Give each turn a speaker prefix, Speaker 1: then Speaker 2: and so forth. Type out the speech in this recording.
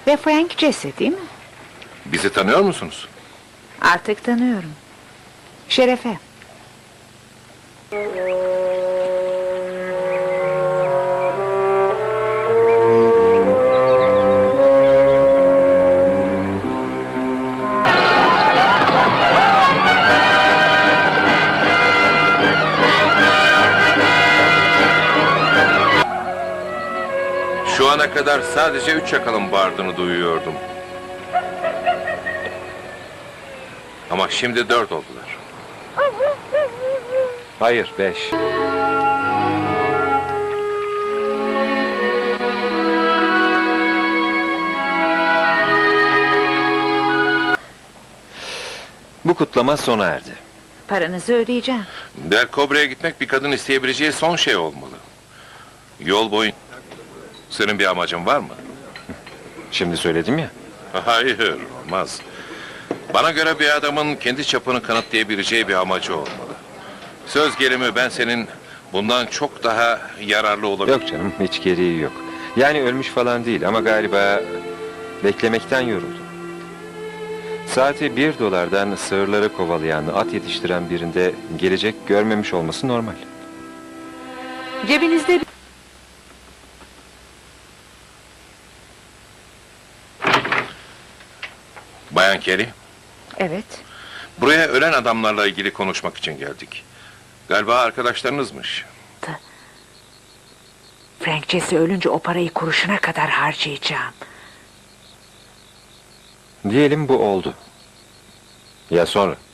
Speaker 1: Ve Frank Jesse değil mi?
Speaker 2: Bizi tanıyor musunuz?
Speaker 1: Artık tanıyorum. Şerefe.
Speaker 2: Şu ana kadar sadece 3 yakalın bağırdığını duyuyordum. Ama şimdi 4 oldular.
Speaker 3: Hayır, 5. Bu kutlama sona erdi.
Speaker 1: Paranızı ödeyeceğim.
Speaker 2: Del Cobre'ye gitmek bir kadın isteyebileceği son şey olmalı. Yol boyunca... Senin bir amacın var mı?
Speaker 3: Şimdi söyledim ya.
Speaker 2: Hayır, olmaz. Bana göre bir adamın kendi çapını kanıtlayabileceği bir amacı olmalı. Söz gelimi ben senin bundan çok daha yararlı olabilirim.
Speaker 3: Yok canım, hiç gereği yok. Yani ölmüş falan değil ama galiba beklemekten yoruldum. Saati $1'dan sığırları kovalayan, at yetiştiren birinde gelecek görmemiş olması normal.
Speaker 1: Cebinizde...
Speaker 2: Bayan Kelly,
Speaker 1: Evet.
Speaker 2: buraya ölen adamlarla ilgili konuşmak için geldik. Galiba arkadaşlarınızmış.
Speaker 1: Frank Jesse ölünce o parayı kuruşuna kadar harcayacağım.
Speaker 3: Diyelim bu oldu. Ya sonra?